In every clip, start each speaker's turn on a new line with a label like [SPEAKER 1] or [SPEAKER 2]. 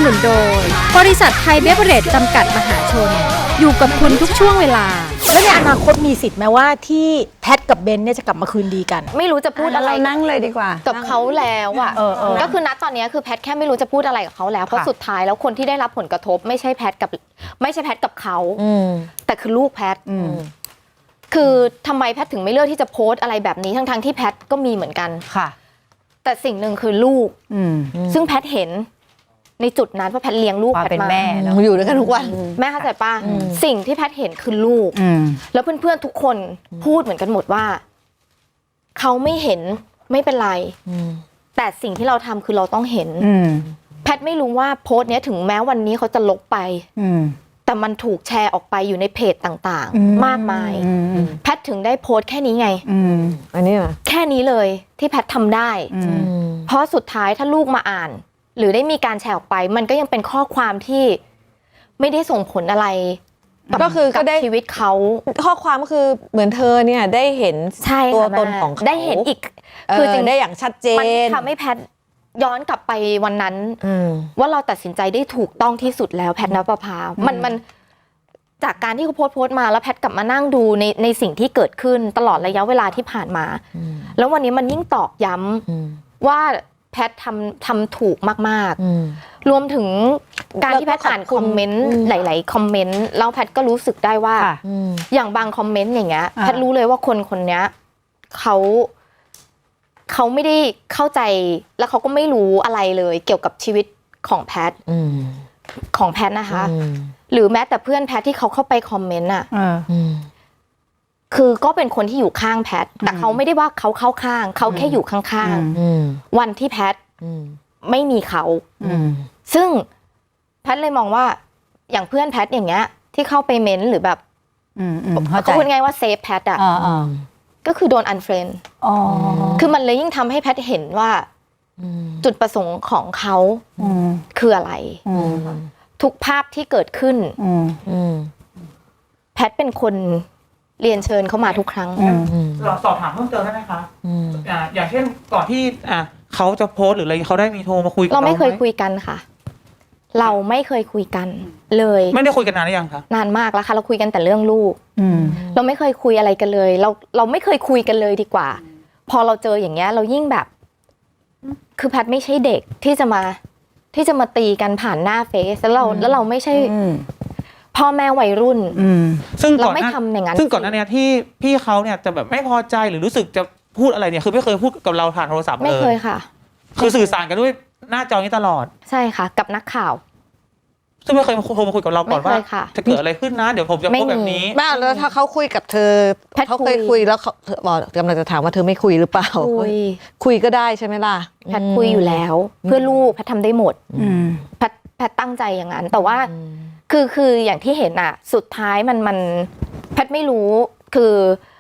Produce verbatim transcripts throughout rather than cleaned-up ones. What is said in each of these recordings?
[SPEAKER 1] นุนโดยบริษัทไทยเบเวอเรจจำกัดมหาชนอยู่กับคุณทุกช่วงเวลา
[SPEAKER 2] แล้วในอนาคตมีสิทธิ์ไหมว่าที่แพทกับเบนเนี่ยจะกลับมาคืนดีกัน
[SPEAKER 3] ไม่รู้จะพูดอะไร
[SPEAKER 4] นั่งเลยดีกว่า
[SPEAKER 3] กับเขาแล้วอ่ะก็คือณตอนนี้คือแพทแค่ไม่รู้จะพูดอะไรกับเขาแล้วเพราะสุดท้ายแล้วคนที่ได้รับผลกระทบไม่ใช่แพทกับไม่ใช่แพทกับเขาแต่คือลูกแพทคือทำไมแพทถึงไม่เลือกที่จะโพสต์อะไรแบบนี้ทั้งๆที่แพทก็มีเหมือนกัน
[SPEAKER 4] ค่ะ
[SPEAKER 3] แต่สิ่งหนึ่งคือลูกซึ่งแพทเห็นในจุดนั้นเพราะแพทเลี้ยงลูกแพทมา
[SPEAKER 4] แม่อยู่ด้วยกันทุกวัน
[SPEAKER 3] แม่เข้าใจป่ะสิ่งที่แพทเห็นคือลูกแล้วเพื่อนๆทุกคนพูดเหมือนกันหมดว่าเขาไม่เห็นไม่เป็นไรแต่สิ่งที่เราทำคือเราต้องเห็นแพทไม่รู้ว่าโพสต์นี้ถึงแม้วันนี้เขาจะลบไปแต่มันถูกแชร์ออกไปอยู่ในเพจต่างๆมากมายแพทถึงได้โพสต์แค่นี้ไง
[SPEAKER 4] อันนี้เหรอ
[SPEAKER 3] แค่นี้เลยที่แพททำได้เพราะสุดท้ายถ้าลูกมาอ่านหรือได้มีการแชร์ออกไปมันก็ยังเป็นข้อความที่ไม่ได้ส่งผลอะไร
[SPEAKER 4] ก็คือก็ได้
[SPEAKER 3] ชีวิตเขา
[SPEAKER 4] ข้อความก็คือเหมือนเธอเนี่ยได้เห็นตัวตนของเขา
[SPEAKER 3] ได้เห็นอีก
[SPEAKER 4] คือจริงได้อย่างชัดเจน
[SPEAKER 3] มันทำให้แพทย้อนกลับไปวันนั้นว่าเราตัดสินใจได้ถูกต้องที่สุดแล้วแพทณปภามันมันจากการที่เขาโพสต์โพสต์มาแล้วแพทกลับมานั่งดูในในสิ่งที่เกิดขึ้นตลอดระยะเวลาที่ผ่านมาแล้ววันนี้มันยิ่งตอกย้ำว่าแพททำทำถูกมากๆรวมถึงการที่แพทอ่านคอมเมนต์หลายๆคอมเมนต์แล้วแพทก็รู้สึกได้ว่าอย่างบางคอมเมนต์อย่างเงี้ยแพทรู้เลยว่าคนคนนี้เขาเขาไม่ได้เข้าใจแล้วเขาก็ไม่รู้อะไรเลยเกี่ยวกับชีวิตของแพทของแพทนะคะหรือแม้แต่เพื่อนแพทที่เขาเข้าไปคอมเมนต์อ่ะคือก็เป็นคนที่อยู่ข้างแพทแต่เขาไม่ได้ว่าเขาเข้าข้างเขาแค่อยู่ข้างๆวันที่แพทไม่มีเขาซึ่งแพทเลยมองว่าอย่างเพื่อนแพทอย่างเงี้ยที่เข้าไปเม้นหรือแบบเขาพูดง่ายว่าเซฟแพทอ่ะก็คือโดนอันเฟรนด์คือมันเลยยิ่งทำให้แพทเห็นว่าจุดประสงค์ของเขาคืออะไรทุกภาพที่เกิดขึ้นแพทเป็นคนเรียนเชิญเขามาทุกครั้ง
[SPEAKER 5] เราสอบถามเพิ่มเติมได้ไหมคะอย่างเช่นก่อนที่เขาจะโพสหรืออะไรเขาได้มีโทรมาคุยกับเรา
[SPEAKER 3] เราไม่เคยคุยกันค่ะเราไม่เคยคุยกันเลย
[SPEAKER 5] ไม่ได้คุยกันนานหรือยังคะ
[SPEAKER 3] นานมากแล้วค่ะเราคุยกันแต่เรื่องลูกเราไม่เคยคุยอะไรกันเลยเราเราไม่เคยคุยกันเลยดีกว่าพอเราเจออย่างเงี้ยเรายิ่งแบบคือแพทไม่ใช่เด็กที่จะมาที่จะมาตีกันผ่านหน้าเฟซแล้วเราแล้วเราไม่ใช่พ่อแม่วัยรุ่น
[SPEAKER 5] ซึ่ง
[SPEAKER 3] เราไม่ทำอย่างนั้น
[SPEAKER 5] ซึ่งก่อนหน้านี้ที่พี่เขาเนี่ยจะแบบไม่พอใจหรือรู้สึกจะพูดอะไรเนี่ยคือไม่เคยพูดกับเราผ่านโทรศัพท์เลย
[SPEAKER 3] ไม่เคยค่ะ
[SPEAKER 5] คือสื่อสารกันด้วยหน้าจอนี้ตลอด
[SPEAKER 3] ใช่ค่ะกับนักข่าว
[SPEAKER 5] ซึ่งไม่เคยโทรมาคุยกับเราก่อนว่าจะเกิดอะไรขึ้นนะเดี๋ยวผมจะพูดแบบนี้
[SPEAKER 4] บ้าแล้วถ้าเขาคุยกับเธอเขาเคยคุยแล้วเขาบอกกำลังจะถามว่าเธอไม่คุยหรือเปล่า
[SPEAKER 3] คุย
[SPEAKER 4] คุยก็ได้ใช่ไหมล่ะ
[SPEAKER 3] แพทคุยอยู่แล้วเพื่อลูกแพททำได้หมดแพทแพทตั้งใจอย่างนั้นแต่ว่าคือคืออย่างที่เห็นอ่ะสุดท้ายมันมันแพทไม่รู้คือ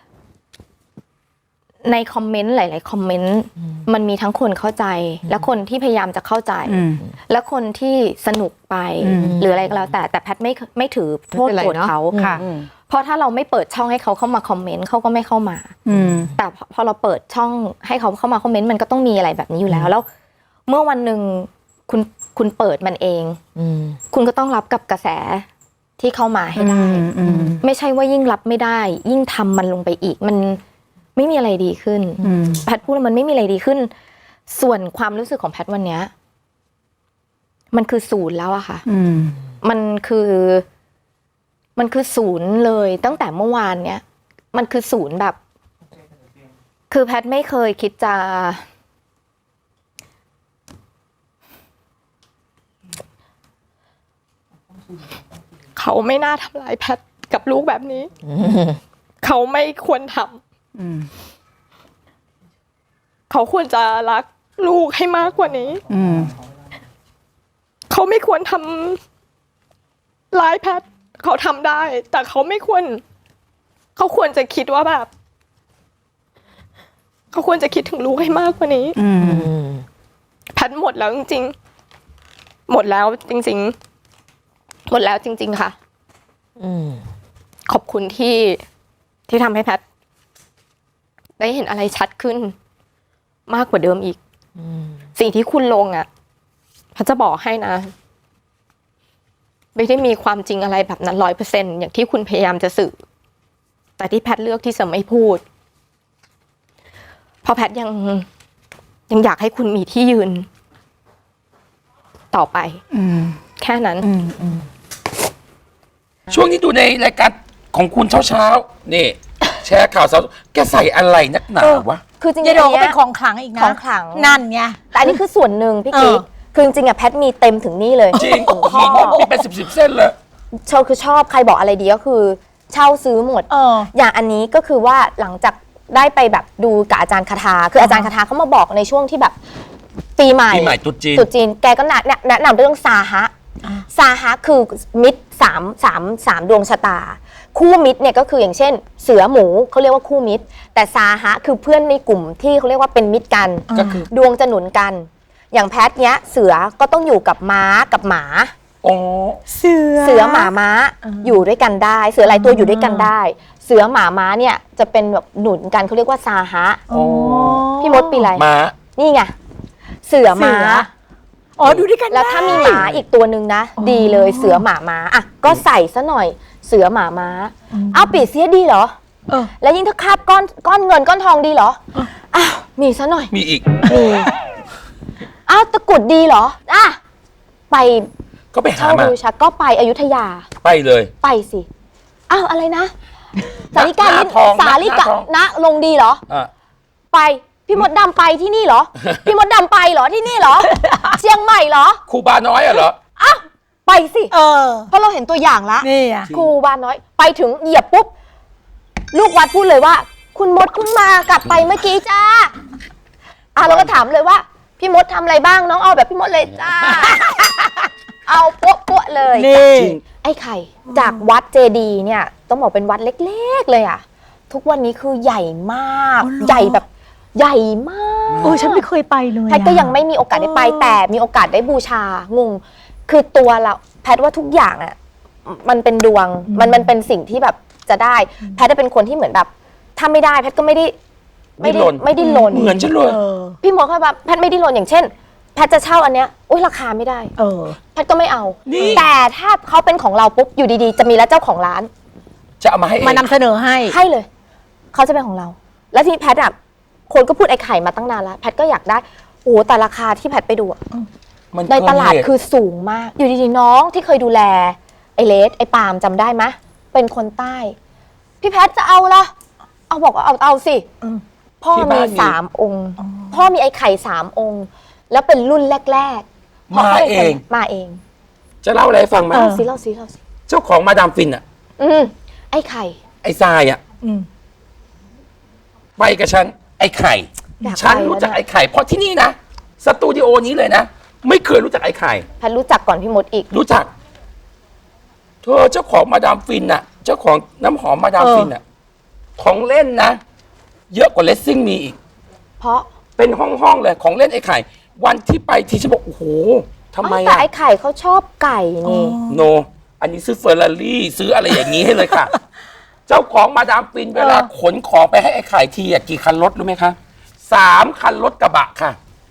[SPEAKER 3] ในคอมเมนต์หลายๆคอมเมนต์มันมีทั้งคนเข้าใจและคนที่พยายามจะเข้าใจและคนที่สนุกไปหรืออะไรก็แล้วแต่แต่แพทไม่ไม่ถือโทษโกรธเขาเพราะถ้าเราไม่เปิดช่องให้เขาเข้ามาคอมเมนต์เขาก็ไม่เข้ามาแต่พอเราเปิดช่องให้เขาเข้ามาคอมเมนต์มันก็ต้องมีอะไรแบบนี้อยู่แล้วแล้วเมื่อวันหนึ่งคุณคุณเปิดมันเองคุณก็ต้องรับกับกระแสที่เข้ามาให้ได้ไม่ใช่ว่ายิ่งรับไม่ได้ยิ่งทำมันลงไปอีกมันไม่มีอะไรดีขึ้นแพทพูดแล้วมันไม่มีอะไรดีขึ้นส่วนความรู้สึกของแพทวันนี้มันคือศูนย์แล้วอะค่ะมันคือมันคือศูนย์เลยตั้งแต่เมื่อวานเนี้ยมันคือศูนย์แบบคือแพทไม่เคยคิดจะเขาไม่น่าทำร้ายแพทกับลูกแบบนี้เขาไม่ควรทำเขาควรจะรักลูกให้มากกว่านี้เขาไม่ควรทำร้ายแพทเขาทำได้แต่เขาไม่ควรเขาควรจะคิดว่าแบบเขาควรจะคิดถึงลูกให้มากกว่านี้แพทหมดแล้วจริงๆหมดแล้วจริงๆหมดแล้วจริงๆค่ะขอบคุณที่ที่ทำให้แพทได้เห็นอะไรชัดขึ้นมากกว่าเดิมอีกสิ่งที่คุณลงอ่ะแพทจะบอกให้นะไม่ได้มีความจริงอะไรแบบนั้นร้อยเปอร์เซ็นต์อย่างที่คุณพยายามจะสื่อแต่ที่แพทย์เลือกที่จะไม่พูดเพราะแพทย์ยังยังอยากให้คุณมีที่ยืนต่อไปแค่นั้น
[SPEAKER 6] ช่วงนี้ดูในรายการของคุณเช้าๆนี่แชร์ข่าวสาวแกใส่อะไรนักหนาวะ
[SPEAKER 3] คือจริงๆ
[SPEAKER 2] ยายโด
[SPEAKER 3] อัน
[SPEAKER 2] ก็
[SPEAKER 3] เนี้
[SPEAKER 2] เป็
[SPEAKER 3] ย
[SPEAKER 2] นของขลังอีกนะ
[SPEAKER 3] ของขลัง
[SPEAKER 2] นั่นไง
[SPEAKER 3] แต่อันนี้คือส่วนหนึ่งพี่
[SPEAKER 2] เออ
[SPEAKER 3] กิ๊กคือจริงๆอะแพทย์มีเต็มถึงนี่เลย
[SPEAKER 6] จริงหินมีเป็นสิบสิบเส้นเลย
[SPEAKER 3] เชาคือชอบใครบอกอะไรดีก็คือเช่าซื้อหมด
[SPEAKER 2] เออ
[SPEAKER 3] อย่างอันนี้ก็คือว่าหลังจากได้ไปแบบดูกับอาจารย์คาทาคืออาจารย์คาทาเขามาบอกในช่วงที่แบบปีใหม่
[SPEAKER 6] ปีใหม่ตรุษจีน
[SPEAKER 3] ตรุษจีนแกก็แนะแนะนำเรื่องซาฮะซาฮะคือมิตรสามสามสามดวงชะตา คู่มิตรเนี่ยก็คืออย่างเช่น เสือหมูเขาเรียกว่าคู่มิตร แต่ซาฮะคือเพื่อนในกลุ่มที่เขาเรียกว่าเป็นมิตรกัน
[SPEAKER 6] ก็คือ
[SPEAKER 3] ดวงจะหนุนกัน อย่างแพทเนี้ยเสือก็ต้องอยู่กับม้ากับหมา
[SPEAKER 6] โอ้
[SPEAKER 2] เสือ
[SPEAKER 3] เสือหมาม้าอยู่ด้วยกันได้ เสือหลายตัวอยู่ด้วยกันได้ เสือหมาม้าเนี่ยจะเป็นแบบหนุนกันเขาเรียกว่าซาฮะ
[SPEAKER 6] โอ้
[SPEAKER 3] พี่มดปีอะไร
[SPEAKER 6] ม้า
[SPEAKER 3] นี่ไงเสือม้า
[SPEAKER 2] เสือ อ๋อดูด้วยกัน
[SPEAKER 3] แล้วถ้ามีหมาอีกตัวหนึ่งนะ ดีเลยเสือหมาม้าอ่ะก็ใส่ซะหน่อยเสือหมาม้าอ้าวปีเสียดีเหรอ
[SPEAKER 2] เออ
[SPEAKER 3] แล้วยิ่งถ้าคาบก้อนก้อนเงินก้อนทองดีเหรออ้าวมีซะหน่อย
[SPEAKER 6] มีอีก
[SPEAKER 3] มีอ้าวตะกรุดดีเหรออ่ะไป
[SPEAKER 6] ก็ไปหา
[SPEAKER 3] เช่า
[SPEAKER 6] มา
[SPEAKER 3] บูชาก็ไปอยุธยา
[SPEAKER 6] ไปเลย
[SPEAKER 3] ไปสิอ้าวอะไรนะสาลิกา
[SPEAKER 6] หน้า
[SPEAKER 3] ลิ้น
[SPEAKER 6] ทอง
[SPEAKER 3] สาลิกา
[SPEAKER 6] หน้าทอง
[SPEAKER 3] นะลงดีเหรอ
[SPEAKER 6] อ่ะ
[SPEAKER 3] ไปพี่มดดำไปที่นี่เหรอ พี่มดดำไปเหรอที่นี่เหรอ เชียงใหม่เหรอ
[SPEAKER 6] ครูบาน้อยอะเหรอ
[SPEAKER 3] อ้าวไปสิ
[SPEAKER 2] เออ
[SPEAKER 3] เพราะเราเห็นตัวอย่างละ
[SPEAKER 2] นี่อ่ะ
[SPEAKER 3] ครูบาน้อยไปถึงเหยียบปุ๊บลูกวัดพูดเลยว่า คุณมดเพิ่งมากลับไปเมื่อกี้จ้าอ่ะเราก็ถามเลยว่า พี่มดทำอะไรบ้างน้องเอาแบบพี่มดเลยจ้า เอาปุ๊บปุ๊บเลย
[SPEAKER 2] นี่
[SPEAKER 3] ไอ้ไข่จากวัดเจดีย์เนี่ยต้องบอกเป็นวัดเล็กๆเลยอะทุกวันนี้คือใหญ่มาก
[SPEAKER 2] อ๋อเหรอ
[SPEAKER 3] ใหญ่แบบใหญ่มาก
[SPEAKER 2] เออฉันไม่เคยไปเลย
[SPEAKER 3] แพทย์ก็ยังไม่มีโอกาสได้ไป
[SPEAKER 2] เออ
[SPEAKER 3] แต่มีโอกาสได้บูชางงคือตัวเราแพทย์ว่าทุกอย่างอะมันเป็นดวงมันมันเป็นสิ่งที่แบบจะได้ แพทย์จะเป็นคนที่เหมือนแบบถ้าไม่ได้แพทย์ก็ไม่ได้ไม่ได้
[SPEAKER 6] ดิ้นรน
[SPEAKER 3] ไม่ได้ลน
[SPEAKER 6] เหมือนฉันเลย
[SPEAKER 2] เออ
[SPEAKER 3] พี่หมอเขาแบบแพทย์ไม่ได้ลนอย่างเช่น แพทย์จะเช่าอันเนี้ยอุ้ยราคาไม่ได้
[SPEAKER 2] เออ
[SPEAKER 3] แพทย์ก็ไม่เอา
[SPEAKER 6] นี่
[SPEAKER 3] แต่ถ้าเขาเป็นของเราปุ๊บอยู่ดีๆ จะมีแล้วเจ้าของร้าน
[SPEAKER 6] จะเอามาให้เอง
[SPEAKER 2] มานำเสนอให้
[SPEAKER 3] ให้เลย เขาจะเป็นของเรา แล้วที่แพทย์อ่ะคนก็พูดไอ้ไข่มาตั้งนานแล้ว แพทย์ก็อยากได้ โอ้โหแต่ราคาที่แพทย์ไปดูอะ
[SPEAKER 6] มัน
[SPEAKER 3] ในตลาด
[SPEAKER 6] เกินเหตุ
[SPEAKER 3] คือสูงมาก อยู่ดีๆน้องที่เคยดูแล ไอ้เลสไอ้ปาล์มจำได้ไหมเป็นคนใต้ พี่แพทย์จะเอาละเอาบอกว่าเอาเอาสิ
[SPEAKER 2] อืม
[SPEAKER 3] พ่อ
[SPEAKER 6] ที่
[SPEAKER 3] มี
[SPEAKER 6] บ้านมี
[SPEAKER 3] สามองค์ พ่อมีไอ้ไข่สามองค์ แล้วเป็นรุ่นแรกๆ
[SPEAKER 6] มาเอง
[SPEAKER 3] มาเอง
[SPEAKER 6] จะเล่าอะไรให้ฟังไหม
[SPEAKER 2] เออ
[SPEAKER 3] เล่าสิเล่าสิเล่าสิ
[SPEAKER 6] เจ้าของมาดามฟินอะ
[SPEAKER 3] อืมไอ้ไข่
[SPEAKER 6] ไอ้ทรายอะ
[SPEAKER 2] อืม
[SPEAKER 6] ไปกับฉันไอ้ไข่
[SPEAKER 3] อยากไป
[SPEAKER 6] ฉันรู้จัก
[SPEAKER 3] แล้วเนี่ย
[SPEAKER 6] ไอ้ไข่เพราะที่นี่นะสตูดิโอนี้เลยนะ ไม่เคยรู้จักไอ้ไข่
[SPEAKER 3] แพทย์รู้จักก่อนพี่มดอีก
[SPEAKER 6] รู้จัก เธอเจ้าของมาดามฟินน่ะ เจ้าของน้ำหอมมาดาม
[SPEAKER 2] เออ
[SPEAKER 6] ฟินน่ะ ของเล่นนะ เยอะกว่าเลสซิ่งมีอีก
[SPEAKER 3] เพราะ
[SPEAKER 6] เป็นห้องๆเลยของเล่นไอ้ไข่ วันที่ไปทีฉันบอกโอ้โหทำไม
[SPEAKER 3] แต่
[SPEAKER 6] อะ
[SPEAKER 3] ไอ้ไข่เขาชอบไก่นี่
[SPEAKER 6] โน อันนี้ซื้อเฟอร์รารี่ซื้ออะไรอย่างนี้ให้เลยค่ะ เจ้าของมาดามฟินเวลาขนของไปให้ไอ้ไข่ทีอะกี่คันรถรู้ไหมคะสามคันรถกระบะค่ะ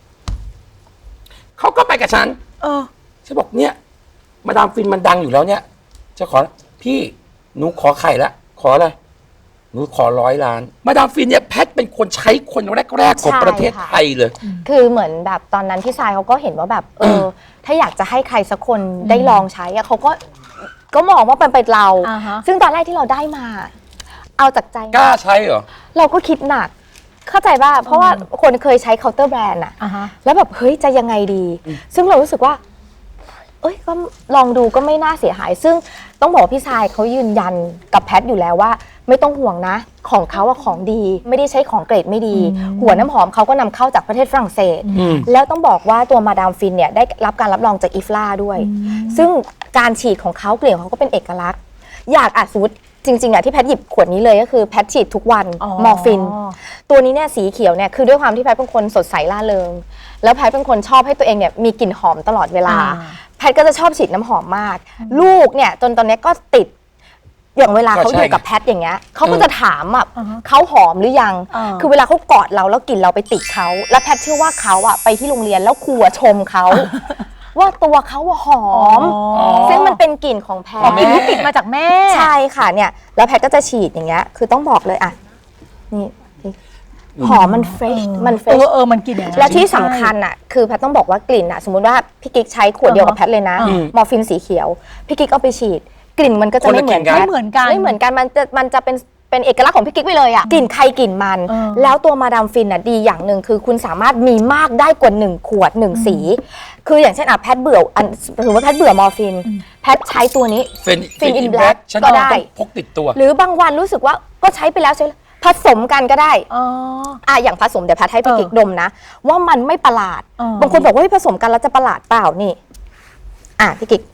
[SPEAKER 6] เขาก็ไปกับฉัน
[SPEAKER 2] เออ
[SPEAKER 6] ฉันบอกเนี่ย มาดามฟินมันดังอยู่แล้วเนี่ยจะขอพี่หนูขอไข่ละขออะไรหนูขอร้อยล้าน มาดามฟินเนี่ยแพทเป็นคนใช้คนแรกๆของ
[SPEAKER 3] ใช่
[SPEAKER 6] ประเทศ
[SPEAKER 3] ค่ะ
[SPEAKER 6] ไทยเลย
[SPEAKER 3] คือเหมือนแบบตอนนั้นพี่ทรายเขาก็เห็นว่าแบบ เออ ถ้าอยากจะให้ใครสักคนได้ลองใช้อะเขาก็ก็มองว่าเป็นเป็นเรา
[SPEAKER 2] อ่าฮะ
[SPEAKER 3] ซึ่งตอนแรกที่เราได้มา เอาจากใจ
[SPEAKER 6] กล้าใช้เหรอ
[SPEAKER 3] เราก็คิดหนัก เข้าใจป่ะเพราะว่าคนเคยใช้เคาน์เตอร์แบรนด์อะ
[SPEAKER 2] อ่าฮะ
[SPEAKER 3] แล้วแบบเฮ้ยจะยังไงดี ซึ่งเรารู้สึกว่า เอ้ยก็ลองดูก็ไม่น่าเสียหาย ซึ่งต้องบอกว่าพี่ชายเขายืนยันกับแพทอยู่แล้วว่า ไม่ต้องห่วงนะ ของเขาอะของดี ไม่ได้ใช้ของเกรดไม่ดี หัวน้ำหอมเขาก็นำเข้าจากประเทศฝรั่งเศส
[SPEAKER 6] อืม
[SPEAKER 3] แล้วต้องบอกว่าตัวมาดามฟินเนี่ยได้รับการรับรองจากอีฟลาด้วย ซึ่งการฉีดของเขาเกลี่ยของเขาก็เป็นเอกลักษณ์ อยากอาจสมมติจริงๆอะที่แพทหยิบขวดนี้เลยก็คือแพทฉีดทุกวัน
[SPEAKER 2] อ๋อ
[SPEAKER 3] มอร์ฟิน ตัวนี้เนี่ยสีเขียวเนี่ยคือด้วยความที่แพทเป็นคนสดใสร่าเริง แล้วแพทเป็นคนชอบให้ตัวเองเนี่ยมีกลิ่นหอมตลอดเวลา
[SPEAKER 2] อ่า
[SPEAKER 3] แพทก็จะชอบฉีดน้ำหอมมาก ลูกเนี่ยจนตอนนี้ก็ติด อย่างเวลาเขา
[SPEAKER 6] ก็ใช่
[SPEAKER 3] อยู่กับแพทอย่างเงี้ยเขาก็
[SPEAKER 6] เออ
[SPEAKER 3] จะถามอ่ะ
[SPEAKER 2] อ่าฮะ
[SPEAKER 3] เขาหอมหรือยัง
[SPEAKER 2] อ่า
[SPEAKER 3] คือเวลาเขากอดเราแล้วกลิ่นเราไปติดเขาแล้วแพทเชื่อว่าเขาอ่ะไปที่โรงเรียนแล้วครูอะชมเขาว่าตัวเขาอะหอม
[SPEAKER 2] อ๋อ
[SPEAKER 3] ซึ่งมันเป็นกลิ่นของแพ
[SPEAKER 2] อ๋อ
[SPEAKER 3] ท
[SPEAKER 2] กลิ่นที่ติดมาจากแม่
[SPEAKER 3] ใช่ค่ะเนี่ยแล้วแพทก็จะฉีดอย่างเงี้ยคือต้องบอกเลยอ่ะนี่หอมมันเฟรชมันเฟร
[SPEAKER 2] เอ
[SPEAKER 3] ช
[SPEAKER 2] อเออมันกลิ่นอย่างนั้น
[SPEAKER 3] และที่สำคัญอ่ะคือแพทต้องบอกว่ากลิ่นอ่ะสมมุติว่าพี่กิ๊กใช้ขวดเดียวกับแพทเลยนะ
[SPEAKER 2] อืม
[SPEAKER 3] มอร์ฟินสีเขียวพี่กิ๊กเอาไปฉีด กลิ่นมันก็จะ
[SPEAKER 6] คนละ
[SPEAKER 3] ไม่เหมือน
[SPEAKER 6] กลิ่นกัน
[SPEAKER 3] กัน
[SPEAKER 2] ไม่เหมือนกัน
[SPEAKER 3] ไม่เหมือนกันมันจะมันจะเป็นเป็นเอกลักษณ์ของพี่กิ๊กไปเลยอ่ะกลิ่นใครกลิ่นมัน
[SPEAKER 2] เออ
[SPEAKER 3] แล้วตัวมาดามฟินอ่ะดีอย่างหนึ่งคือคุณสามารถมีมากได้กว่าหนึ่งขวดหนึ่งสี คืออย่างเช่นอ่ะแพทเบื่ออันสมมติว่าแพทเบื่อมอร์ฟินแพทใช้ตัวนี้
[SPEAKER 6] เฟน
[SPEAKER 3] Fin in
[SPEAKER 6] in
[SPEAKER 3] Black
[SPEAKER 6] Black ฉัน
[SPEAKER 3] ก็
[SPEAKER 6] ต้อง
[SPEAKER 3] ได้
[SPEAKER 6] พกติดตัว
[SPEAKER 3] หรือบางวันรู้สึกว่าก็ใช้ไปแล้วใช้ผสมกันก็ได้
[SPEAKER 2] อ๋อ
[SPEAKER 3] อ่ะอย่างผสมเดี๋ยวแพทย์ให้พี่
[SPEAKER 2] เออ
[SPEAKER 3] กิ๊กดมนะ ว่ามันไม่ประหลาด
[SPEAKER 2] เออ
[SPEAKER 3] บางคนบอกว่าเฮ้ยผสมกันแล้วจะประหลาดเปล่านี่ อ่ะพี่กิ๊ก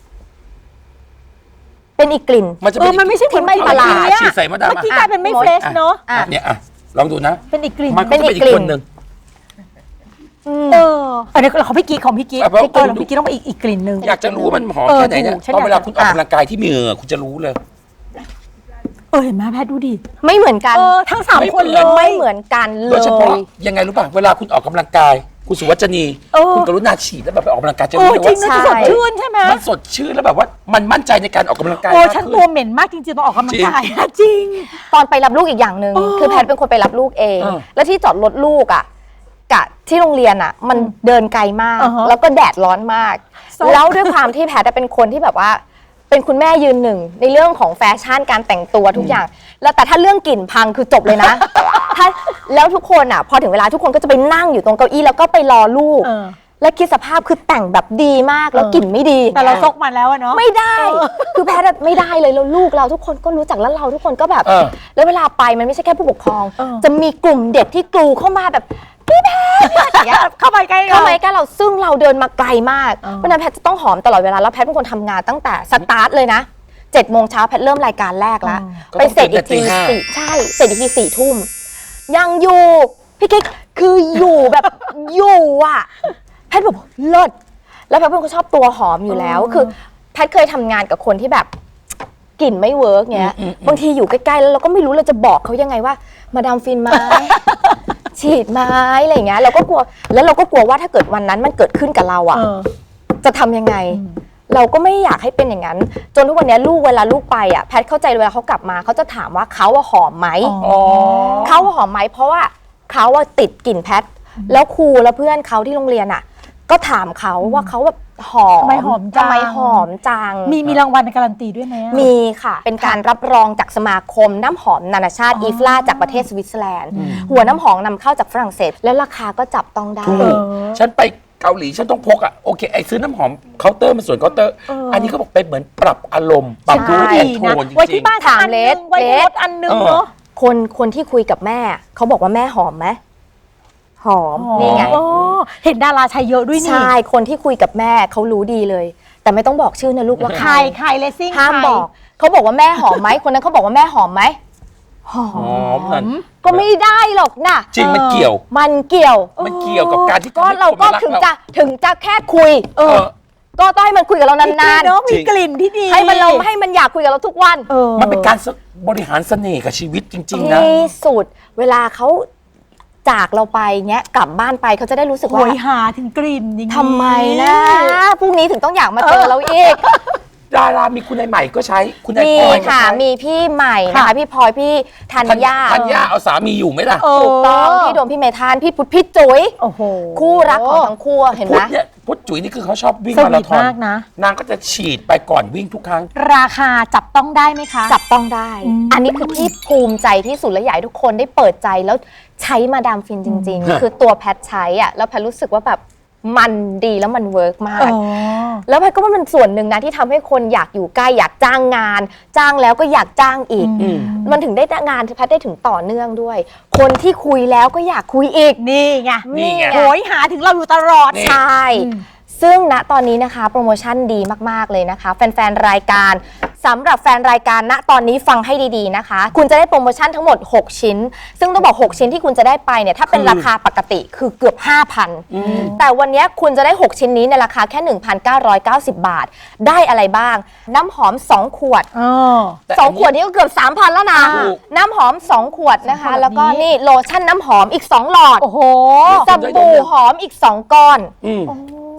[SPEAKER 3] เป็นอีกกลิ่น
[SPEAKER 6] มันจะ
[SPEAKER 2] เอ
[SPEAKER 6] เป็
[SPEAKER 2] อน มันไม่ใช่
[SPEAKER 3] ที่ไม่ประหลาด
[SPEAKER 2] เมื่อกี้
[SPEAKER 6] ฉีดใส่มะดาม
[SPEAKER 2] เมื่อกี้
[SPEAKER 6] อ่ะ
[SPEAKER 2] กลายเป็นไม่
[SPEAKER 3] อ่ะ
[SPEAKER 2] เฟรชเนาะ
[SPEAKER 3] อ่ะ
[SPEAKER 6] อ่ะเนี่ยอ่ะลองดูนะ
[SPEAKER 2] เป็นอีกกลิ่น
[SPEAKER 6] มันก็จะเป็นอีกคนหนึ่ง
[SPEAKER 2] เอออันนี้ของพี่กิ๊กของพี่กิ๊ก
[SPEAKER 6] อ่ะเพราะ
[SPEAKER 2] พี่กิ๊กของพี่กิ๊กต้องไปอีกอีกกลิ่นหนึ่ง
[SPEAKER 6] อยากจะรู้ว่ามันหอม
[SPEAKER 2] เออ
[SPEAKER 6] แค่ไหนเนี่ย
[SPEAKER 2] ถูกฉัน
[SPEAKER 6] ตอนเวลา
[SPEAKER 2] อยาก
[SPEAKER 6] คุณออกกำลังกายที่มีเหงื่อคุณจะรู้เลย
[SPEAKER 2] เออเห็นไหมแพทย์ดูดิ
[SPEAKER 3] ไม่เหมือนกัน
[SPEAKER 2] เออทั้งสาม
[SPEAKER 6] ไม่
[SPEAKER 2] คนเลย
[SPEAKER 3] ไม่เหมือนกันเล
[SPEAKER 6] โดยเฉพาะ
[SPEAKER 3] ย
[SPEAKER 6] ยังไงรู้ป่ะเวลาคุณออกกำลังกาย คุณสุวัจนี
[SPEAKER 2] เออ
[SPEAKER 6] คุณกรุณาฉีดแล้วแบบไปออกกำลังกายจะ
[SPEAKER 2] โอ้
[SPEAKER 6] รู้เลย
[SPEAKER 2] จริ
[SPEAKER 6] ว่าง
[SPEAKER 2] นะจะสดชื่นใช่ไหม
[SPEAKER 6] มันสดชื่นแล้วแบบว่ามันมั่นใจในการออกกำลังกาย
[SPEAKER 2] โอ้
[SPEAKER 6] มาก
[SPEAKER 2] ฉัน
[SPEAKER 6] ขึ้
[SPEAKER 2] ตัวเหม็นมากจริงๆต้องออกกำลังกายอะจริง
[SPEAKER 3] ตอนไปรับลูกอีกอย่างหนึ่ง
[SPEAKER 2] เออ
[SPEAKER 3] คือแพทย์เป็นคนไปรับลูกเอง
[SPEAKER 6] เออ
[SPEAKER 3] แล้วที่จอดรถลูกอ่ะกะที่โรงเรียนอ่ะ มันเดินไกลมาก
[SPEAKER 2] อ่าฮะ
[SPEAKER 3] แล้วก็แดดร้อนมาก
[SPEAKER 2] ซบ
[SPEAKER 3] แล้วด้วยความที่แพทย์เป็นคนที่แบบว่า เป็นคุณแม่ยืนหนึ่งในเรื่องของแฟชั่นการแต่งตัวทุกอย่าง แล้วแต่ถ้าเรื่องกลิ่นพังคือจบเลยนะ ถ้าแล้วทุกคนอ่ะ พอถึงเวลาทุกคนก็จะไปนั่งอยู่ตรงเก้าอี้แล้วก็ไปรอลูก
[SPEAKER 2] เออ
[SPEAKER 3] แล้วคิดสภาพคือแต่งแบบดีมากแล้ว
[SPEAKER 2] เออ
[SPEAKER 3] กลิ่นไม่ดี
[SPEAKER 2] แต่เราซกมาแล้วอะเนาะ
[SPEAKER 3] ไม่ได้ คือแพทย์อะไม่ได้เลยแล้วลูกเราทุกคนก็รู้จักแล้วเราทุกคนก็แบบ
[SPEAKER 6] เออ
[SPEAKER 3] แล้วเวลาไปมันไม่ใช่แค่ผู้ปกครอง
[SPEAKER 2] เออ
[SPEAKER 3] จะมีกลุ่มเด็กที่กลูเข้ามาแบบพี่แพทย์อย่างเงี้ย
[SPEAKER 2] เข้าไปใกล้
[SPEAKER 3] เข้ามาใกล้เราซึ่งเราเดินมาไกลมาก
[SPEAKER 2] เออ
[SPEAKER 3] เพราะฉะนั้นแพทย์จะต้องหอมตลอดเวลาแล้วแพทย์เป็นคนทำงานตั้งแต่สตาร์ทเลยนะเจ็ดโมงเช้าแพทย์เริ่มรายการแรกแล้ว
[SPEAKER 6] ก็
[SPEAKER 3] ไป
[SPEAKER 6] ต้อง
[SPEAKER 3] เสร็จอีกที
[SPEAKER 6] ตื่นแต่ตีห้า
[SPEAKER 3] สี่ใช่เสร็จอีกทีสี่ทุ่มยังอยู่พี่กิ๊กคืออยู่แบบอยู่อ่ะแพทย์แบบเลิศแล้วแพทย์เป็นคนชอบตัวหอมอยู่แล้ว คือแพทย์เคยทำงานกับคนที่แบบกลิ่นไม่เวิร์กเงี้ยบางทีอยู่ใกล้ๆแล้วเราก็ไม่รู้เราจะบอกเขายังไงว่ามาดามฟินไหม ฉีดไหมอะไรอย่างเงี้ยเราก็กลัวแล้วเราก็กลัวว่าถ้าเกิดวันนั้นมันเกิดขึ้นกับเราอ่ะ
[SPEAKER 2] เออ
[SPEAKER 3] จะทำยังไง เราก็ไม่อยากให้เป็นอย่างนั้น จนทุกวันนี้ลูกเวลาลูกไปอ่ะแพทย์เข้าใจเวลาเขากลับมาเขาจะถามว่าเขาอะหอมไหม
[SPEAKER 2] อ๋อ
[SPEAKER 3] เขาอะหอมไหมเพราะว่าเขาอะติดกลิ่นแพทย์แล้วครูและเพื่อนเขาที่โรงเรียนอ่ะ ก็ถามเขาว่าเขาแบบหอม
[SPEAKER 2] ทำไมหอมจัง
[SPEAKER 3] ทำไมหอมจัง
[SPEAKER 2] มีมีรางวัลการันตีด้วยไหมอะ
[SPEAKER 3] มีค่ะ เป็นการรับรองจากสมาคมน้ำหอมนานาชาติ
[SPEAKER 2] อ๋อ
[SPEAKER 3] อีฟลาจากประเทศสวิตเซอร์แลนด์ หัวน้ำหอมนำเข้าจากฝรั่งเศส แล้วราคาก็จับต้องได้
[SPEAKER 6] ถู
[SPEAKER 2] เอก อ
[SPEAKER 6] ฉันไปเกาหลีฉันต้องพกอ่ะโอเคไอซื้อน้ำหอมเคาน์เตอร์มันส่วนเคาน์เตอร์
[SPEAKER 2] เอออั
[SPEAKER 6] อันนี้เขาบอกเป็นเหมือนปรับอารมณ์ปรับ
[SPEAKER 3] ใช่
[SPEAKER 6] รูปแอนโท
[SPEAKER 2] นะ
[SPEAKER 6] นจ
[SPEAKER 2] ไว้
[SPEAKER 6] ริ
[SPEAKER 2] ที่
[SPEAKER 6] ง
[SPEAKER 2] บ้าน
[SPEAKER 3] ถาม
[SPEAKER 2] อันห
[SPEAKER 3] เล
[SPEAKER 2] นึ
[SPEAKER 3] ส
[SPEAKER 2] งไว้ในรถอันหนึง
[SPEAKER 6] เออ
[SPEAKER 2] เนาะ
[SPEAKER 3] คนคนที่คุยกับแม่ เขาบอกว่าแม่หอมไหมหอมนี่ไง
[SPEAKER 2] โอ้เห็นดาราใช้เยอะด้วยนี่
[SPEAKER 3] ใช่คนที่คุยกับแม่เขารู้ดีเลย แต่ไม่ต้องบอกชื่อนะลูกว่า
[SPEAKER 2] ใค
[SPEAKER 3] ใค
[SPEAKER 2] ร
[SPEAKER 3] ร
[SPEAKER 2] ใครเลสซิ่ง
[SPEAKER 3] ห้ามบอกเขาบอกว่าแม่หอมไหมคนนั้นเขาบอกว่าแม่หอมไหมหอ
[SPEAKER 6] ๆหอมนั่น
[SPEAKER 3] ก็ไม่ได้หรอกนะ
[SPEAKER 6] จริงมันเกี่ยว
[SPEAKER 3] มันเกี่ยว
[SPEAKER 6] มันเกี่ยวกับการที่
[SPEAKER 3] ก็เราก็ถึงจะถึงจะแค่คุย
[SPEAKER 6] เออ
[SPEAKER 3] ก็ต้องให้มันคุยกับเรา
[SPEAKER 2] นาน
[SPEAKER 3] าน
[SPEAKER 2] ๆเนาะ
[SPEAKER 6] จริ
[SPEAKER 2] มี
[SPEAKER 6] ง
[SPEAKER 2] กลิ่นที่ดี
[SPEAKER 3] ๆให้มันเราให้มันอยากคุยกับเราทุกวัน
[SPEAKER 2] เออ
[SPEAKER 6] มันเป็นการบริหารเสน่ห์กับชีวิตจริง ๆ นะ
[SPEAKER 3] ที่สุดเวลาเขาจากเราไปเนี้ยกลับบ้านไปเขาจะได้รู้สึก
[SPEAKER 2] โห
[SPEAKER 3] ว่าย
[SPEAKER 2] หาถึงกลิ่นอย่างนี้
[SPEAKER 3] ทำไมนะพรุ่งนี้ถึงต้องอยากมาเจอเราอีก
[SPEAKER 6] ดารามีคุณนายใหม่ก็ใช้คุณนาย
[SPEAKER 3] มี
[SPEAKER 6] พลอยก็
[SPEAKER 3] ค่ะ
[SPEAKER 6] ใช้
[SPEAKER 3] มีพี่ใหม่นะคะพี่พลอยพี่ธัญญา
[SPEAKER 6] ธัญญาเอาสามีอยู่ไหมล่ะ
[SPEAKER 2] เออ
[SPEAKER 3] ถูกต้องพี่โดมพี่เมธานพี่พุทธพี่จุ๋ย
[SPEAKER 2] โอ้โห
[SPEAKER 3] คู่รักของทั้งคู่เห็น
[SPEAKER 6] พุ
[SPEAKER 3] ไห
[SPEAKER 6] ท
[SPEAKER 3] ม
[SPEAKER 6] ธเนี่ยพุทธจุ๋ยนี่คือเขาชอบวิ่ง
[SPEAKER 2] ส
[SPEAKER 6] มา
[SPEAKER 2] วี
[SPEAKER 6] รา
[SPEAKER 2] ท
[SPEAKER 6] ธอน
[SPEAKER 2] มากนะ
[SPEAKER 6] นางก็จะฉีดไปก่อนวิ่งทุกครั้ง
[SPEAKER 2] ราคาจับต้องได้ไหมคะ
[SPEAKER 3] จับต้องได้
[SPEAKER 2] อืม
[SPEAKER 3] อันนี้คือที่ภูมิใจที่สุดและอยากให้ทุกคนได้เปิดใจแล้วใช้มาดามฟินจริง
[SPEAKER 6] ฮะ
[SPEAKER 3] ๆ คือตัวแพทใช้อ่ะแล้วแพทรู้สึกว่าแบบมันดีแล้วมันเวิร์กมา
[SPEAKER 2] อ๋
[SPEAKER 3] ก
[SPEAKER 2] อ
[SPEAKER 3] แล้วแพทก็ว่ามันส่วนหนึ่งนะที่ทำให้คนอยากอยู่ใกล้อยากจ้างงาน จ้างแล้วก็อยากจ้างอีก
[SPEAKER 2] อืม
[SPEAKER 3] มันถึงได้งานที่แพทย์ได้ถึงต่อเนื่องด้วย คนที่คุยแล้วก็อยากคุยอีก
[SPEAKER 2] นี่ไง
[SPEAKER 6] นี่ไง
[SPEAKER 2] โหยหาถึงเราอยู่ตลอด
[SPEAKER 6] นี่
[SPEAKER 3] ใช่
[SPEAKER 2] อืม
[SPEAKER 3] ซึ่งณตอนนี้นะคะโปรโมชั่นดีมากๆเลยนะคะ แฟนๆรายการสำหรับแฟนรายการณตอนนี้ฟังให้ดีๆนะคะ คุณจะได้โปรโมชั่นทั้งหมดหกชิ้น ซึ่งต้องบอกหกชิ้นที่คุณจะได้ไปเนี่ยถ้าเป็น
[SPEAKER 6] คือ
[SPEAKER 3] ราคาปกติคือเกือบ ห้าพัน
[SPEAKER 6] อืม
[SPEAKER 3] แต่วันนี้คุณจะได้หกชิ้นนี้ในราคาแค่ หนึ่งพันเก้าร้อยเก้าสิบ บาท ได้อะไรบ้าง น้ำหอมสองขวด
[SPEAKER 2] อ๋อ
[SPEAKER 6] แต่
[SPEAKER 3] สอง
[SPEAKER 6] นนี้
[SPEAKER 3] ขวดนี้ก็เกือบ สามพัน แล้วนะ
[SPEAKER 6] ถูก
[SPEAKER 3] น้ำหอมสองขวดนะคะ
[SPEAKER 2] สองขวด
[SPEAKER 3] แล้วก็
[SPEAKER 2] นี้
[SPEAKER 3] นี่โลชั่นน้ำหอมอีกสองหลอด
[SPEAKER 2] โอ้โห
[SPEAKER 3] สบู่หอมอีกสองก้อน
[SPEAKER 6] อืม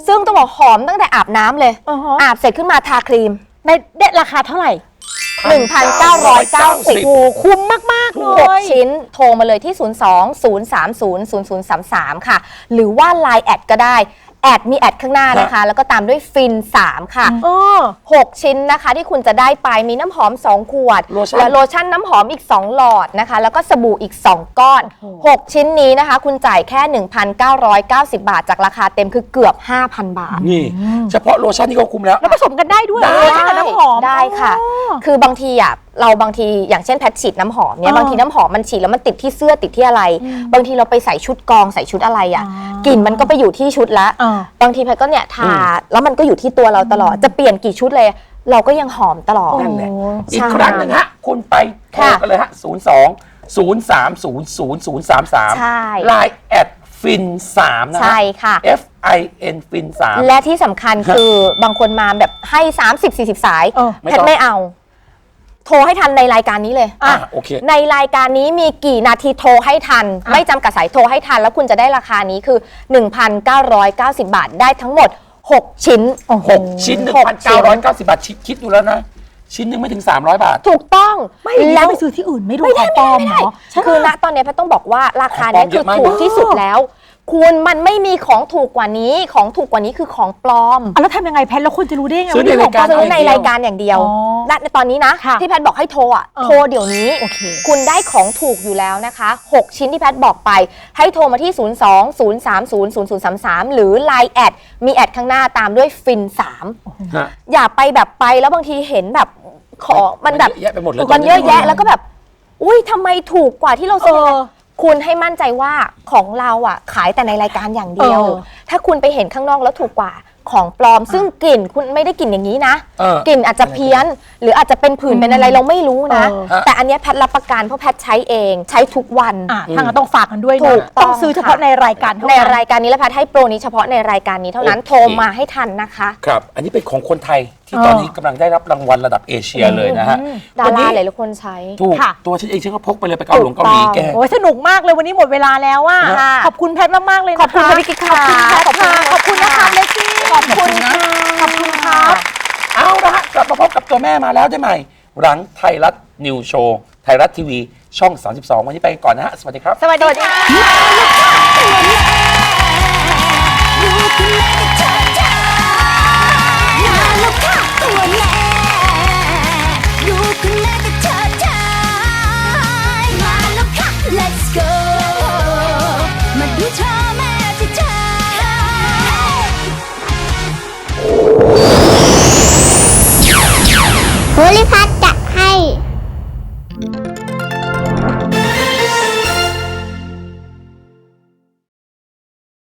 [SPEAKER 3] ซึ่งต้องบอกหอมตั้งแต่อาบน้ำเลย
[SPEAKER 2] อือฮะ
[SPEAKER 3] อาบเสร็จขึ้นมาทาครีม
[SPEAKER 2] ในเด็ดราคาเท่าไหร่
[SPEAKER 3] หนึ่งพันเก้าร้อยเก้าสิบ
[SPEAKER 2] โอ้คุ้มมากๆเล
[SPEAKER 3] หก
[SPEAKER 2] ย
[SPEAKER 3] ชิ้นโทรมาเลยที่ ศูนย์ สอง ศูนย์ สาม ศูนย์ ศูนย์ ศูนย์ สาม สาม ค่ะ หรือว่า ไลน์ แอดก็ได้ แอดมีแอดข้างหน้านะคะ แล้วก็ตามด้วยฟิน สาม ค่ะ
[SPEAKER 2] เออ
[SPEAKER 3] หก ชิ้นนะคะที่คุณจะได้ไปมีน้ำหอม สอง ขวด
[SPEAKER 6] โลชั่น
[SPEAKER 3] และโลชั่นน้ำหอมอีก สอง หลอดนะคะ แล้วก็สบู่อีก สอง ก้อน
[SPEAKER 2] โอ้โห
[SPEAKER 3] หก ชิ้นนี้นะคะ คุณจ่ายแค่ หนึ่งพันเก้าร้อยเก้าสิบ บาทจากราคาเต็มคือเกือบ ห้าพัน บาท
[SPEAKER 6] นี่เฉพาะโลชั่นนี่ก็คุ้มแล้ว
[SPEAKER 2] แล้วผสมกันได้ด้วย
[SPEAKER 6] ได้
[SPEAKER 2] โลชั่นกับน้ำหอม
[SPEAKER 3] ได้ค่ะ
[SPEAKER 2] อ๋อ
[SPEAKER 3] คือบางทีอ่ะเราบางทีอย่างเช่นแพทฉีดน้ำหอมเนี่ย
[SPEAKER 2] อ๋อบ
[SPEAKER 3] างทีน้ำหอมมันฉีดแล้วมันติดที่เสื้อติดที่อะไร บางทีเราไปใส่ชุดกองใส่ชุดอะไรอ่ะ
[SPEAKER 2] อ๋อก
[SPEAKER 3] ลิ่นมันก็ไปอยู่ที่ชุดละ
[SPEAKER 2] อ่า
[SPEAKER 3] บางทีแพทก็เนี่ยทาแล้วมันก็อยู่ที่ตัวเราตลอดจะเปลี่ยนกี่ชุดเลย เราก็ยังหอมตลอด
[SPEAKER 6] นั่นแหละ
[SPEAKER 2] โอ้
[SPEAKER 6] อีกครั้งหนึ่งฮะ คุณไปโทรกันเลยฮะ ศูนย์ สอง ศูนย์ สาม ศูนย์ ศูนย์ ศูนย์ สาม สาม
[SPEAKER 3] ใช่
[SPEAKER 6] ไลน์แอดฟินสามนะฮะ
[SPEAKER 3] ใช่ค่ะ
[SPEAKER 6] F I N ฟินสาม
[SPEAKER 3] และที่สำคัญคือบางคนมาแบบให้ สามสิบ สี่สิบ สาย
[SPEAKER 2] เออ
[SPEAKER 6] ไม่
[SPEAKER 3] แพ
[SPEAKER 6] ต้
[SPEAKER 3] ท
[SPEAKER 6] อง
[SPEAKER 3] ไม่เอา โทรให้ทันในรายการนี้เลย
[SPEAKER 6] อ่ะโอเค
[SPEAKER 3] ในรายการนี้มีกี่นาทีโทรให้ทัน ไม่จำกัดสายโทรให้ทัน แล้วคุณจะได้ราคานี้คือ หนึ่งพันเก้าร้อยเก้าสิบ บาทได้ทั้งหมด หก ชิ้น
[SPEAKER 6] หกชิ้น หนึ่งพันเก้าร้อยเก้าสิบ บาทคิดคิดดูแล้วนะ ชิ้นหนึ่งไม่ถึง สามร้อย บาท
[SPEAKER 3] ถูกต้อง
[SPEAKER 2] ไม่แล้
[SPEAKER 3] แล้ว ว
[SPEAKER 2] ไปซื้อที่อื่นไม่ดู
[SPEAKER 3] ไม่ได้
[SPEAKER 2] ของปลอม
[SPEAKER 3] ไม่
[SPEAKER 2] เหร
[SPEAKER 3] ได้
[SPEAKER 2] อใช่ปะ
[SPEAKER 3] คือณตอนนี้แพทย์ต้องบอกว่าราคาเนี้ย
[SPEAKER 6] ของปลอมเย
[SPEAKER 3] คือ
[SPEAKER 6] อะมาก
[SPEAKER 3] ถูกที่สุดแล้ว คุณมันไม่มีของถูกกว่านี้ ของถูกกว่านี้คือของปลอม
[SPEAKER 2] อ่ะแล้วทำยังไงแพทแล้วคนจะรู้ได้ไง
[SPEAKER 6] ซื้อในรายการ
[SPEAKER 3] ซื้อใน
[SPEAKER 6] เดียว
[SPEAKER 3] รายการอย่างเดียว
[SPEAKER 2] อ๋อ
[SPEAKER 3] ณในตอนนี้นะ
[SPEAKER 2] ค่ะ
[SPEAKER 3] ที่แพทย์บอกให้โทรอ่ะ
[SPEAKER 2] เออ
[SPEAKER 3] โทรเดี๋ยวนี้
[SPEAKER 2] โอเค
[SPEAKER 3] คุณได้ของถูกอยู่แล้วนะคะ หก ชิ้นที่แพทย์บอกไป ให้โทรมาที่ ศูนย์ สอง ศูนย์ สาม ศูนย์ ศูนย์ ศูนย์ สาม สาม หรือ ไลน์ แอดมีแอดข้างหน้าตามด้วยฟิน สาม
[SPEAKER 6] ฮะ
[SPEAKER 3] อย่าไปแบบไปแล้วบางทีเห็นแบบของมันแบบ
[SPEAKER 6] เยอะแยะไปหมดเลย
[SPEAKER 3] มันเยอะแยะแล้วก็แบบ อุ้ยทำไมถูกกว่าที่เราซื้อ
[SPEAKER 2] เออ
[SPEAKER 3] คุณให้มั่นใจว่าของเราอ่ะขายแต่ในรายการอย่างเดียว
[SPEAKER 2] เออ
[SPEAKER 3] ถ้าคุณไปเห็นข้างนอกแล้วถูกกว่าของปลอม ซึ่งกลิ่นคุณไม่ได้กลิ่นอย่างนี้นะ
[SPEAKER 6] เออ
[SPEAKER 3] กลิ่นอาจจะเพี้ยน หรืออาจจะเป็นผื่นเป็นอะไรเราไม่รู้นะ
[SPEAKER 2] เออ
[SPEAKER 6] ฮะ
[SPEAKER 3] แต่อันเนี้ยแพทย์รับประกันเพราะแพทย์ใช้เองใช้ทุกวัน
[SPEAKER 2] อ่ะทางนั้นต้องฝากกันด้วย
[SPEAKER 3] ถู
[SPEAKER 2] นะ
[SPEAKER 3] กต้อง
[SPEAKER 2] ต้องซื้อเฉพาะ
[SPEAKER 3] ค่ะ
[SPEAKER 2] ในรายการเท่า
[SPEAKER 3] ใน
[SPEAKER 2] นั้น
[SPEAKER 3] รายการนี้และแพทย์ให้โปรนี้เฉพาะในรายการนี้เท่านั้น
[SPEAKER 6] โอเค
[SPEAKER 3] โทรมาให้ทันนะคะ
[SPEAKER 6] ครับ อันนี้เป็นของคนไทยที่
[SPEAKER 2] เออ
[SPEAKER 6] ตอนนี้กำลังได้รับรางวัลระดับเอเชียเลยนะฮะ
[SPEAKER 3] ดา
[SPEAKER 6] วัน
[SPEAKER 3] รา
[SPEAKER 6] นี้
[SPEAKER 3] หลายๆคนใช้
[SPEAKER 6] ถูก
[SPEAKER 2] ค่ะ
[SPEAKER 6] ตัวฉันเองฉันก็พกไปเลยไปเกาหลงเกาหลีแก
[SPEAKER 2] โอ้ยสนุกมากเลยวันนี้หมดเวลาแล้วว่า
[SPEAKER 3] ค่ะ
[SPEAKER 2] ขอบคุณแพทมากๆเลยนะคะ
[SPEAKER 3] ขอบคุณค่ะพี่กิ๊กค่ะ
[SPEAKER 2] ขอบคุณค่ะขอบคุณนะคะเลซี่
[SPEAKER 3] ขอบคุณค่ะ
[SPEAKER 2] ขอบคุณครับ
[SPEAKER 6] เอาละฮะกลับมาพบกับตัวแม่มาแล้วได้ใหม่ หลังไทยรัฐนิวโชว์ไทยรัฐทีวีช่อง สามสิบสอง วันนี้ไปก่อนนะฮะ สวัสดีครับ
[SPEAKER 3] สวัสดีค่ะ
[SPEAKER 7] Let's go มาดูเธอแม่ที่เธอโพลิพัท